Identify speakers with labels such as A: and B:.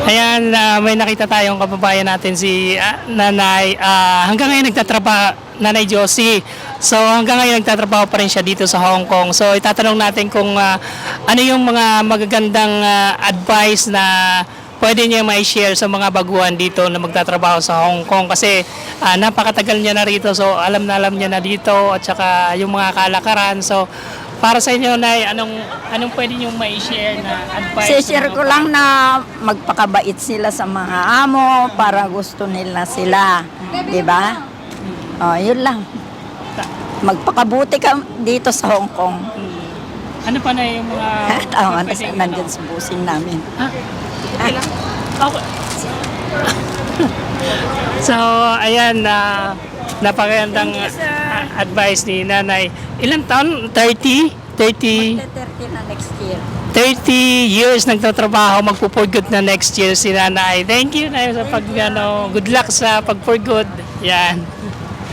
A: Ayan, may nakita tayong kababayan natin si Nanay. Hanggang ngayon nagtatrabaho, Nanay Josie. So hanggang ngayon nagtatrabaho pa rin siya dito sa Hong Kong. So itatanong natin kung ano yung mga magagandang advice na pwede niya mai-share sa mga baguhan dito na magtatrabaho sa Hong Kong. Kasi napakatagal niya na rito. So alam niya na dito at saka yung mga kalakaran. So para sa inyo, Nay, anong pwede niyong mai-share na advice?
B: Share ko lang na magpakabait sila sa mga amo para gusto nila sila. Di ba? Oh, yun lang. Magpakabuti ka dito sa Hong Kong.
A: Ano pa na yung mga...
B: Tama na
A: pwedeng,
B: nandyan sa busing namin.
A: Ha? Okay lang? Okay. So, ayan, napakagandang advice ni Nanay. Ilang taon? 30? 30?
B: 30 na next year.
A: 30 years nagtatrabaho, magpo-for good na next year si Nanay. Thank you, Nay, sa good luck sa pag-for good. Yan.